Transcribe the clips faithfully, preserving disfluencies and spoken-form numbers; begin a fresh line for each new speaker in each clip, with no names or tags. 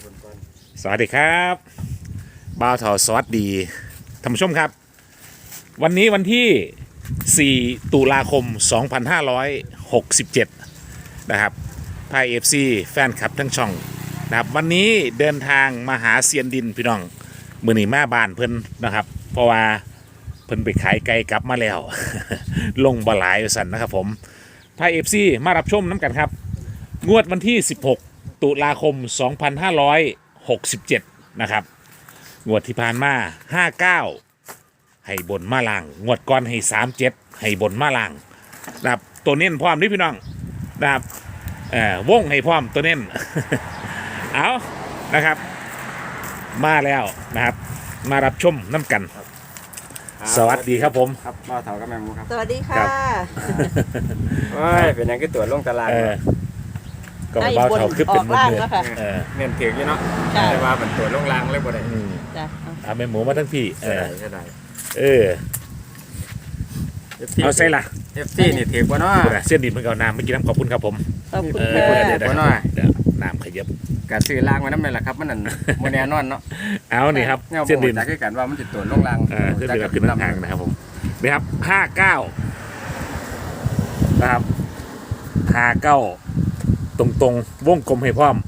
สวัสดีครับบ่าวเถาสวัสดีท่านผู้ชมครับวันนี้วันที่สี่ตุลาคมสองพันห้าร้อยหกสิบเจ็ดนะครับไพ่เอฟซีแฟนคลับทั้งช่องนะครับวันนี้เดินทางมาหาเซียนดินพี่น้องมือหนีมาบ้านเพิ่นนะครับเพราะว่าเพิ่นไปขายไก่กลับมาแล้ว ลงบหลายสันนะครับผมไพ่เอฟซีมารับชมน้ำกันครับงวดวันที่สิบหกตุลาคมสองพันห้าร้อยหกสิบเจ็ดนะครับงวดที่ผ่านมาห้าเก้าให้บนมาล่างงวดก่อนให้สามเจ็ดให้บนมาล่างนะครับตัวเน้นพร้อมนี่พี่น้องนะครับเอ่อวงให้พร้อมตัวเน้น เอานะครับมาแล้วนะครับมารับชมน้ำกันสวัสดีครับผม
ครับบ่าวเฒ่ากับแม่หมูครับ
สวัสดีค่ะ
โอ้ยเป็นหยังคือตัวลงตาราง
เออก็เบาเท่าขึ้นเป็นมือ
ล่าง
เนื้อ
แล้วค่ะ
เออ
เงินถึงอยู่เนาะ
ค่ะ
แต่ว่าเป็นตัวลงรางเลยบ่ได้
อืม
จ้ะ
เอาแม่หมูมาทั้งพี่เอ
ใช่
อ
ได้ใช่ได้
เออเอาใส่ละ
เอฟซีนี่ถือบ่เนาะ
พูดนะเส้นดินเพิ่งเอาน้ำเมื่อกี้น้ำขอบคุณครับผม
ขอบคุณ
เออ
ค่ะ
เดี๋ยวเดี๋ยว
บ่น้อย
เดี๋ยวน้ำขยับ
ก็ซื้อรางไว้นำนั่นแหละครับมันนั่นบ่แน่นอนเนาะ
เอานี่ครับ
เงา
เส้น
บ่
ดิน
จักคือกันว่ามันสิตัวลงราง
เออเส้นดินกับขึ้นทางนะครับผมนี่ครับห้าเก้านะครับห้าเก้าตรงตรงๆวงกลมให้พร้อม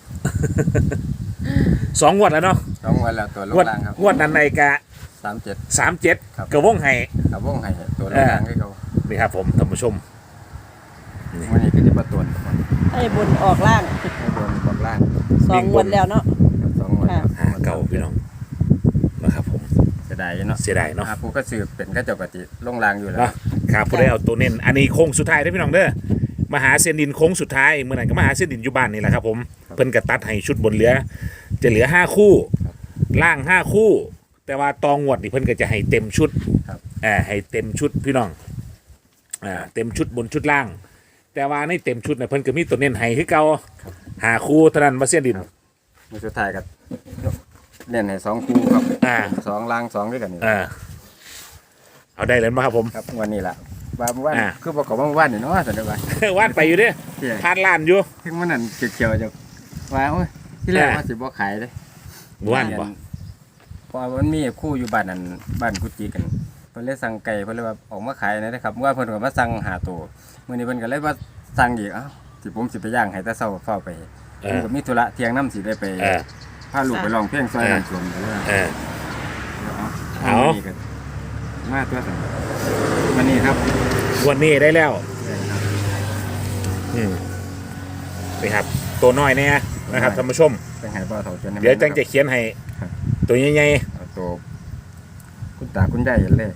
สองงวดแล้วเนาะ
สองวันแล้วตัวล
ง
ง
วด
รางครับ
งวดนั้นในกะ
สามเจ็ด
สามเจ็ด
ครับ
กระวงให้
ครับวงให้ตัวลงรางให้เขา
นี่ครับผมท่านผู้ชม
วันนี้คือสิบ่ตัวทุกคน
ให้บนออกล่าง
ให้โดนบอกล่าง
สองวันแล้วเนาะ
ครับสองวันแล้ว
ห้าเก้าพี่น้องนะครับผม
เสียดายเนาะ
เสียดายเนาะ
อ่าผู้ก็สืบเป็นก็เจ้าปฏิลงรางอยู่แล้ว
เนาะครับผู้ได้เอาตัวเน้นอันนี้โค้งสุดท้ายได้อพี่น้องเด้อมาหาเส้นดินโค้งสุดท้ายเมื่อไหร่ก็มาหาเส้นดินอยู่บ้านนี่แหละครับผมเพิ่นกระตัดให้ชุดบนเหลือ จะเหลือห้าคู่ล่างห้าคู่ แต่ว่าตองงวดนี่เพิ่นก็จะให้เต็มชุด
ครับ
อ่าให้เต็มชุดพี่น้องอ่าเต็มชุดบนชุดล่าง แต่ว่าในเต็มชุดเนี่ยเพิ่นก็มีตัวเน้นให้คือเก่าหาคู่เท่านั้นมาเส้นดิน
มือสุดท้ายก็เล่นให้สองคู่ครับ
อ่า
สองรางสองด้วยกันนี่
อ่าเอาได้เลยมาครับผม
ครับวันนี้แหละว่าเมื่อวาน
อ่า
คือบอกกับว่าเมื่อวานนี่เนาะสันนิษฐาน
วาดไปอยู่เด้อ
ที่
ผ่านล้านอยู่
ถึงมันนั่นเขียวๆจะว่าโอ้ยที่แรก
อ่า
ว่าสิบ่ขายเลย
ว่านบ่
เพราะว่ามันมีคู่อยู่บ้านนั่นบ้านกุจิกันเพิ่นเลยสั่งไก่เพิ่นเลยว่าออกมาขายหนะครับเมื่อวานเพิ่นก็มาสั่งหาตัวมื้อนี้เพิ่นก็เลยมาสั่งอีกเอ้าสิผมสิไปย่างให้แต่เช้าเฝ้าไป
เอ
ผม
อ
ก็มีธุระเที่ยงน้ำสิได้ไป
เออ
พาลูกไปร้องเพลงซอยน้ำสวมเลยว่า
เออ
เอา
เอา
วันนี้ก็มาตัวสั่งวันนี้ครับ
วันนี้ได้แล้ว
ได้ครับ
อืมนี่ครับ ตัวน้อยเนี่ยนะครับท่านผู้ชม
เป็นไงบ่าวเฒ่าจนให้
เดี๋ยวจังจะเขียนให้
ครับ
ตัวใหญ่
เอาตัวคุณตาคุณยายเห็นเลย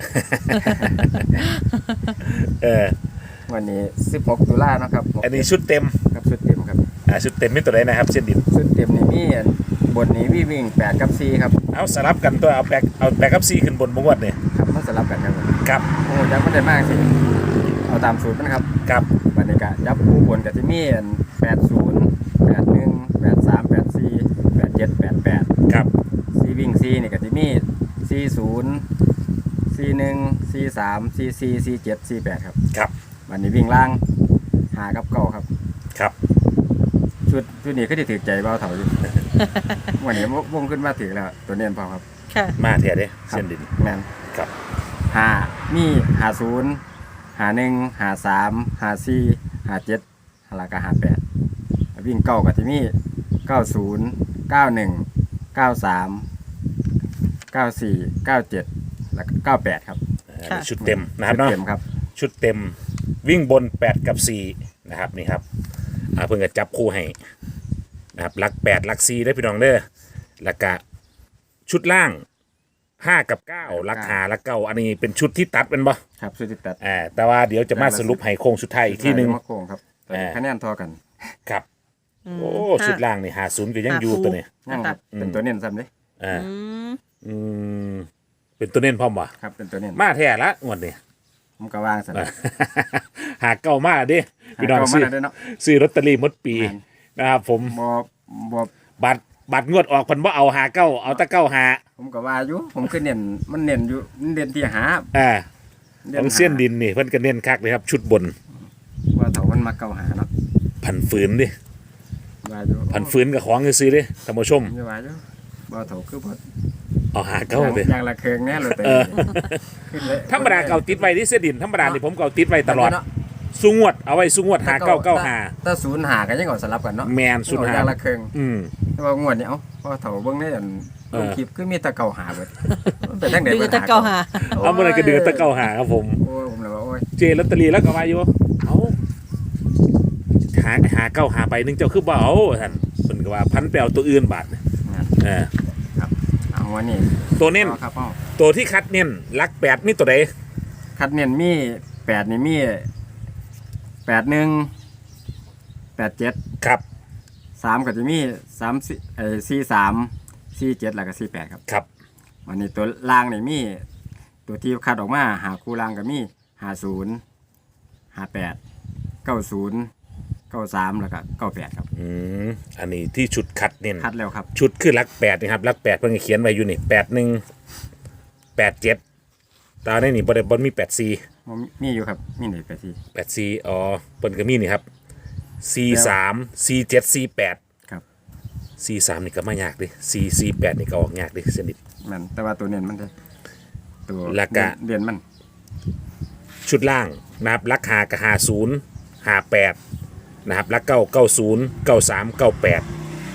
ๆเออ
วันนี้สิบหกตุลาเนาะครับ
อันนี้ชุดเต็ม
ครับชุดเต็มครับ
อ่าชุดเต็มไม่ตัวใดนะครับเส้นดิน
ชุดเต็มนี่มีอันบนนี้วิ่งวิ่งแปดกับสี่ครับ
เอาสลับกันตัวเอาแบกเอาแบกกับซีขึ้นบนบงวดเนี่ย
ครับมันสลับกันครับ
ครับ
โอ้ยักษ์มันได้มากสิเอาตามสูตรมันครับ
ครับ
วันนี้ก็ยับคู่บนกับที่มีอันแปดศูนย์แปดหนึ่งแปดสามแปดสี่แปดเจ็ดแปดแปด
ครับ
ซีวิ่งซีนี่กับที่มีซีศูนย์ซีหนึ่งซีสามซีสี่ซีเจ็ดซีแปดครับ
ครับ
วันนี้วิ่งล่างหากับเก่าครับ
ครับ
ชุดชุดนี้ก็จะถือใจเบาเถาอยู่ วันนี้วงขึ้นมาถือแล้วตัวเนียนพอครับ
ค่ะ
มาเทียเด้
ครับ
เส้นดิน
แมน
ครับ
หามีหาศูนย์หาหนึ่งหาสามหาสี่หาเจ็ดหาลากาหาแปดวิ่งเก้ากับที่มีเก้าศูนย์เก้าหนึ่งเก้าสามเก้าสี่เก้าเจ็ดแล้วก็เก้าแปดครับ
อ่า
ค่ะ
ชุดเต็มนะครับเนาะ
เต็มครับ
ชุดเต็มวิ่งบนแปดกับสี่นะครับนี่ครับอ่าเพิ่งจะจับคู่ให้นะครับลักแปดลักสี่ได้พี่น้องเด้อแล้วก็ชุดล่างห้ากับเก้าลักหาลักเก้าอันนี้เป็นชุดที่ตัดเป็นบ่
ครับชุดที่ตัด
อ่าแต่ว่าเดี๋ยวจะมาสรุปให้โค้งสุดท้ายอีกทีหนึ่ง
มะโขงครับแต่
อ่า
คะแนนเทอกัน
ครับ
อืม
โอ้
ค่ะ
ชุดล่างนี่หาศูนย์ก็ยังอยู่ตัวนี้
ยังครับ
อืม
เป็นตัวเน้นซ้ำเลย
อ่า
อืม
อืมเป็นตัวเน้นพร้อมวะ
ครับเป็นตัวเน้น
มาแท้ละงวดนี้
ผมก็วางซ้ำ
หาเก้ามาดิพี่น้อง
หาเก้ามา
ซื้อ
ได้เนาะ
ซื้อลอตเตอรี่หมดปี
แม่น
นะครับผม
บอบอ
บัตรบัตรงวดออกเพันว่าเอาหาเก้าเอาแตะเก้าหา
ผมก็ว่าอยู่ผมคือเน้นมันเน้นอยู่มันเน้นที่หา
อ่า
น้
ของ
หา
เส้นดินนี่เพิ่นก็เน้นคักเลยครับ ชุดบน
ว่าเถามันมาเก่าหาเนาะ
ผันฝืนดิ
ว่าอยู่
พันฟื้นกับของซื้อๆเด้ท่านผู้ชม
อยู่ว่าอยู่บ่เฒ่าคือบ่
เอาหาเก้าเลย
อย่างละเครื่องแน่เลยแต่ขึ้นเลย
ธรรมดาเก่าติดไว้ที่เสยดินธรรมดานี่ผมเก่าติดไว้ตลอดสุงวดเอาไว้สุงวดหาเก้าเก้าหา
ถ้าศูนย์หากันยังเอาสลับกันเนาะ
แมนศูนย์หา
อย่างละเครื่อง
อืม
แต่ว่างวดนี้เอ้าพอเฒ่าเบิ่งได้อัน
เอ
ล
อง
คลิปคือมีแตะเก่าหาเบิดมันเป็นจังได๋
ดู
เบิด
แตะเก่าหา
เอาเมื่อไหรก็เดือดตะเก้าหาครับผม
โอ้ยผมเลยว่าโอ้ย
เจลอตเตอรี่แล้วก็มาอยู่เอาหาหาเก้าหาไปหนึงเจ้าคือบ่เอาท่านเพิ่นก็ว่าพันไปเอาตัวอื่นบาทเนี่ย
งั้น
เออ
ครับเอาวันนี้
ตัวเน้น
อาครับเอา
ตัวที่คัดเน้นลักแปดมีตัวใด
คัดเน้นมีแปดนี่มีแปดหนึ่งแปดเจ็ด
ครับ
สามก็จะมีสามสี่เอ่อสี่สามสี่เจ็ดแล้วก็สี่แปดครับ
ครับ
วันนี้ตัวล่างนี่มี ตัวที่คัดออกมาหาคู่ล่างก็มีหาศูนย์หาแปดเก้าศูนย์เก้าสามแล้วก็เก้าแปดครับ
อืมอันนี้ที่ชุดคัดเน้น
คัดแล้วครับ
ชุดคือลักแปดนะครับลักแปดเพิ่งเขียนไว้อยู่นี่แปดหนึ่งแปดเจ็ดตาในนี่บริบทมีแปดสี่
บ่มีมีอยู่ครับมีหนึ่งแปดสี่
แปดสี่อ๋อเพิ่นก็มีนี่ครับสี่สามสี่เจ็ดสี่แปด
ครับ
สี่สามนี่ก็ไม่ยากดิสี่สี่แปดนี่ก็ออกยากดิสนิท
มันแต่ว่าตัวเน้นมันจะตัว
แล้วก็
เด่นมัน
ชุดล่างนะครับลักหากับหาศูนย์หาแปดนะครับลักเก้าเก้าศูนย์เก้าสามเก้าแปด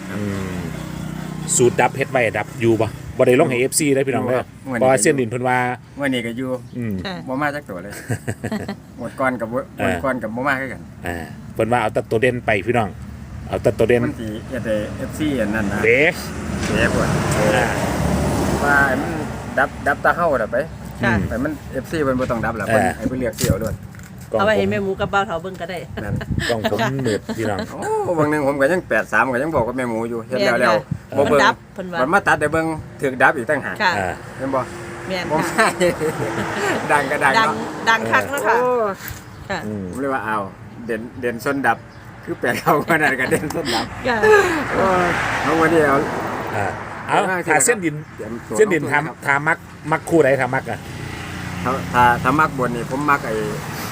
สูตรดับเฮ็ดไว้ดับอยู่ปะบ่ได้ลงให้ เอฟ ซี ได้พี่น้องเด้อเพราะว่าเส้นดินเพิ่นว่า
วันนี้ก็อยู่
อืม
ค่ะ
บ่มาจักตัวเลย หมดก้อนกับบ่
เอ
หม
อ
ดก้อนกับบ่มาคือกัน
อ่าเพิ่นว่าเอาแต่ตัวเด่นไปพี่น้อง เอาแต่ตัวเด่น
มันสิเฮ็ดให้ เอฟ ซี อันนั้นนะ
เด้
เสียปวด
อ่า
ว่าให้มันดับดับตาเฮาน่ะไป
ค่ะ
แต่มัน เอฟ ซี เพิ่นบ่ต้องดับล่ะเพิ่น
เออ
ให้เพิ่นเลือกเสี่ยวด้วย
กล้อง
เอาไว้
ผ
ให้
ม
แม่หมูกับเบาเถาเบิ่งก็ได้
นั่น
กล้องผมมืดพี่น้อง
โอ้บางหนึงผมก็ยังแปดสามก็ยังบอกกับแม่หมูอยู่เฮ็ดแล้วแล้ว
แม่
บ่
นค่ะ
เบิ่ง
มันดับเพิ่นว่า
มันมาตัดได้เบิ่งถึกดับอีกต่างหาก
ค่ะ
อ่า
เห็นบ่
แม่น
บ่
ค่ะ
มาดังก็ดัง
ดัง
เนาะ
ดังคักเนาะค่ะ
โอ้
ค่ะ
อืม
ผมเลยว่าเอาเด่นเด่นส้นดับ คือแปลเขาขนาดกับเด่นส้นดับ
ค่ะ
โอ้ยเอาวันนี้เอา
อ่าเอาถ้าเส้นดิน
ตรียมตัว
เส้นดิน
ลงทุะครับ
ทำทามักมักคู่ใดทามักอ่ะ
ถ้าถ้าถ้ามักบนนี่ผมมักไอ้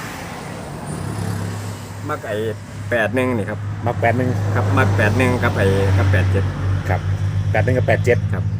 มักไอ้แปดหนึ่งนี่ครับ
มักแปดหนึ่ง
ครับมักแปดหนึ่งกับไอ้กับแปดเจ็ด
ครับแปดหนึ่งกับแปดเจ็ด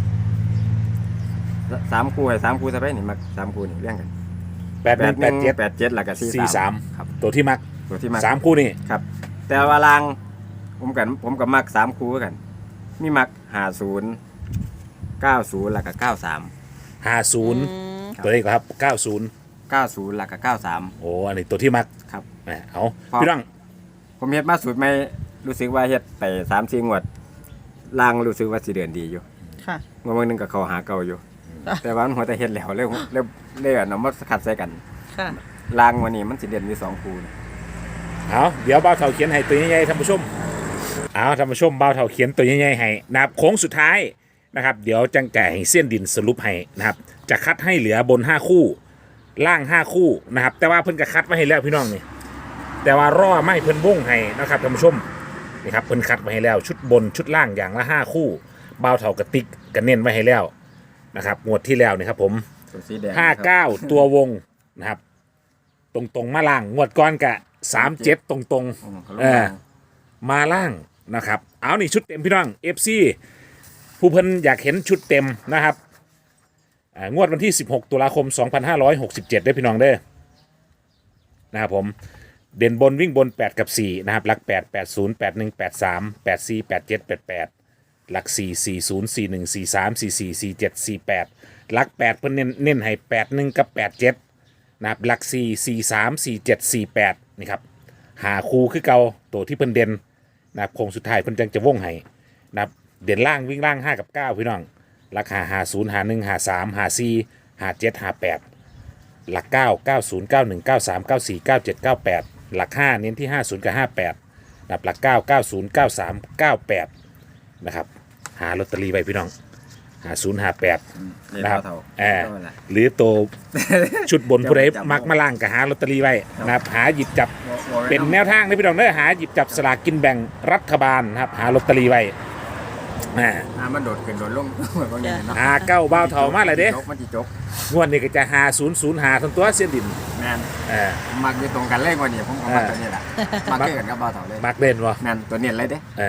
สามคู่ไอ้สามคู่ซะไปนี่มักสามคู่นี่เรียงกัน
แปดหนึ่งแปดเจ็ด
แปดเจ็ดแล้วก็สี่
สี่สาม
ครับ
ตัวที่มัก
ตัวที่มัก
สามคู่นี่
ครับ แต่ว่าลางผมกันผมกับมักสามคู่กัน มีมักห้าศูนย์เก้าศูนย์แล้วก็เก้าสาม
ห้าศูนย์
อืม
ตัวนี้ก็ครับเก้าศูนย์
เก้าศูนย์แล้วก็เก้าสาม
โอ้อันนี้ตัวที่มัก
ครับ
แหมเอา
พอ
พี่น้อง
ผมเฮ็ดมาสูตรไม่รู้สึกว่าเฮ็ดไปสามสี่งวดล่างรู้สึกว่าสิเดือนดีอยู่
ค่ะ
งวดนึงก็เข้าหาเก่าอยู่
อ่ะ
แต่ว่ามันหัวแต่เฮ็ดแล้วเลยเลยเลยเอามาขัดใส่กัน
ค่ะ
ล่างวันนี้มันสิเดือนมีสองคู่นะ
เอาเดี๋ยวเบ้าเถาเขียนให้ตัวใหญ่ๆท่านผู้ชมเอาท่านผู้ชมเบ้าเถาเขียนตัวใหญ่ๆให้นะครับโค้งสุดท้ายนะครับ เดี๋ยวจังแก่ให้เส้นดินสรุปให้นะครับ จะคัดให้เหลือบนห้าคู่ล่างห้าคู่นะครับ แต่ว่าเพิ่นก็คัดไว้ให้แล้วพี่น้องนี่แต่ว่ารอไม่เพิ่นวงให้นะครับท่านผู้ชมนี่ครับเพิ่นคัดไว้ให้แล้ว ชุดบนชุดล่างอย่างละห้าคู่เบ้าเถากระติกกันเน้นไว้ให้แล้วนะครับงวดที่แล้วนี่ครับผม
ตัวสีแดง
ห้าเก้าตัววงนะครับ ตรงตรงๆมาล่างงวดก้อนกะสามเจ็ดตรงตรง
อืมเขาล
ๆ
ง
เออมาล่างนะครับ เอานี่ชุดเต็มพี่น้องเอฟซีผู้เพิ่นอยากเห็นชุดเต็มนะครับอ่างวดวันที่สิบหกตุลาคมสองพันห้าร้อยหกสิบเจ็ดได้พี่น้องเด้อนะครับผมเด่นบนวิ่งบนแปดกับสี่นะครับหลักแปด แปด ศูนย์ แปด หนึ่ง แปด สาม แปด สี่ แปด เจ็ด แปด แปดหลักสี่ สี่ ศูนย์ สี่ หนึ่ง สี่ สาม สี่ สี่ สี่ เจ็ด สี่ แปดหลักแปดเพิ่นเน้นเน้นให้แปด หนึ่งกับแปด เจ็ดนะครับหลักสี่ สี่ สาม สี่ เจ็ด สี่ แปดนี่ครับหาคูคือเก่าตัวที่เพิ่นเด่นนะครับโค้งสุดท้ายเพิ่นจังจะว่งให้นะครับเด่นล่างวิ่งล่างห้ากับเก้าพี่น้องหลักหาหาศูนย์หาหนึ่งหาสามหาสี่หาเจ็ดหาแปดหลักเก้าเก้าศูนย์เก้าหนึ่งเก้าสามเก้าสี่เก้าเจ็ดเก้าแปดหลักห้าเน้นที่ห้าศูนย์กับห้าแปดนะครับหลักเก้าเก้าศูนย์เก้าสามเก้าแปดนะครับหาลอตเตอรี่ไปพี่น้องหาศูนย์หาแปด
เรียน
นะครับ
เท่า
เออ
เท่านั้นแหละ
หรือตัวชุดบนผู้ใด
จำ
มักมาล่างก็หาลอตเตอรี่ไว้นะครับหาหยิบจับ
บ่บ่ไว้
เป็นแนวทางนะพี่น้องเด้อหาหยิบจับสลากกินแบ่งรัฐบาลนะครับหาลอตเตอรี่ไว้อ่า
อ่ามันโดดขึ้นโดดลง บางอย่างเนาะ
หาเก้าเบ้าเถามาเลยเด้
จกมันสิจก
งวดนี้ก็จะหาศูนย์ศูนย์หาทั้งตัวเส้นดิน
แม่น
เออ
ผมมักอยู่ตรงกันเลยกว่านี้ผมก็มักตัวนี้แหละมักเกินกับบ่าวเฒ่าเลย
มักเล่นวะ
แม่นตัวเนี้ยเลยเด้
เออ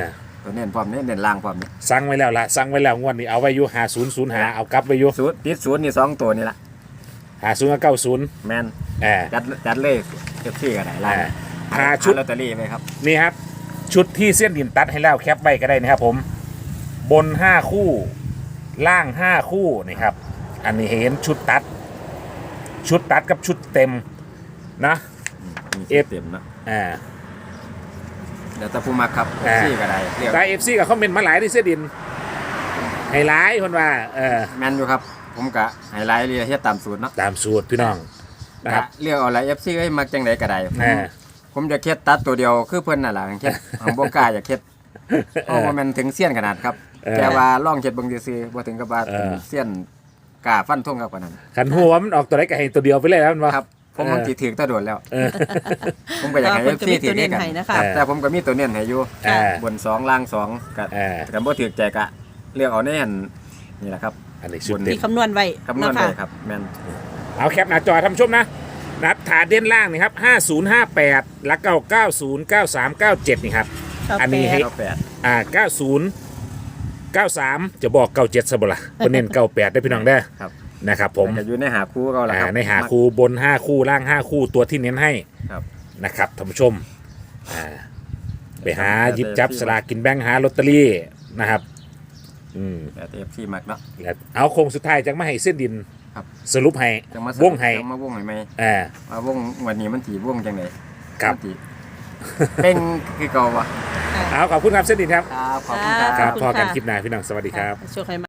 ตัวเน้นพร้อมเน้นเน้นล่างพร้อมนี่
สั่งไว้แล้วละสั่งไว้แล้วงวดนี้เอาไว้อยู่หาศูนย์ศูนย์หาเอากลับไว้อยู่
ศูนย์ติดศูนย์นี่สองตัวนี่ละ
หาศูนย์กับเก้าศูนย์
แมน
แอบ
จัดจัดเลยเก็บซี่กันไหนล่าง
หาชุด
ลอตเตอรี่ไหมครับ
นี่ครับ ชุดที่เส้นดินตัดให้แล้วแคปไว้ก็ได้นะครับผม บนห้าคู่ ล่างห้าคู่นี่ครับ อันนี้เห็นชุดตัด ชุดตัดกับชุดเต็มนะ
มี
เอฟ
เต็มเนาะ
อ่า
เดี๋ยวตะพูมักครับ
อ่า
ซี่กันไหนเรียก
ได้เอฟซีกับคอมเมนต์มาหลายที่เส้นดินให้หลายคนว่า เออ
แมนอยู่ครับ ผมกะไฮไลท์เรียกเฮ็ดตามสูตรเนาะ
ตามสูตรพี่น้องนะครับ
กะเรียกเอาอะไรเอฟซีให้มักจังไดก็ได้ผม
อ่า
ผมจะเฮ็ดตัดตัวเดียวคือเพิ่นน่ะล่ะเฮ็ดผมบ่กล้าอยากเฮ็ดเพราะว่ามันถึงเสี้ยนขนาดครับ
เออ
แต่ว่าลองเฮ็ดเบิ่งซื่อๆบ่ถึงกับว่า
เออ
เสี้ยนกล้าฟันธงกับกว่านั้น
ขันหัวมันออกตัวไหนก็ให้ตัวเดียวไปเลยแล้วมันว่า
ครับ ผมมันสิถึงตะโดนแล้ว
เออ
ผมก็อยากให้
เพิ่
เอน ฟ
ก็
ซี
มี
ถึ
ตั
ง
วเน้น
กัน
ให้นะคะ
เออ
แต่ผมก็มีตัวเน้นให้อยู่
อ่า
บนสองล่างสองก็
เออ
แต่บ่ถือใจกะเลือกเอาแน่นนี่แหละครับ
อันนี้ชุดเต็
ที่
ม
คำนวณไว้
คำนวณ
เนาะ
ไป
ค่ะ
ครับแม่น
เอาแคปหน้าจอท่านผู้ชมนะนะครับฐานเด่นล่างนี่ครับห้าศูนย์ห้าแปดแล้วก็เก้าศูนย์เก้าสามเก้าเจ็ดนี่ครับ อันนี้ให้
เก้าแปด
อ่าเก้าศูนย์เก้าสามจะบอกเก้าเจ็ดซะบ่ล่ะเพิ่นเน้นเก้าแปดได้พี่น้องได้อ
ครับ
นะครับผม
แต่ก็อยู่ในหาคู่ก็แล้ว
อ่า
ครับ
ในหาคู่บนห้าคู่ล่างห้าคู่ตัวที่เน้นให้
ครับ
นะครับท่านผู้ชมอ่าไปหาหยิบจับสลากกินแบ่งหาลอตเตอรี่นะครับอืม
แต่เอฟซีมักเนาะ
แล้วเอาโค้งสุดท้ายจังมาให้เส้นดิน
ครับ
สรุปให้
จังมาว
งให้
จังมาวงให้ไหม
อ่า
ว่าวงวันนี้มันสิวงจังได๋
ครับ
มันสิเป้งคือเก่าวะ
เอาขอบคุณครับเส้นดินครับ
ครับขอบคุณค
ค
รั
รับ บพอกันคลิปหน้าพี่น้องสวัสดีครับ
ช่วยใคร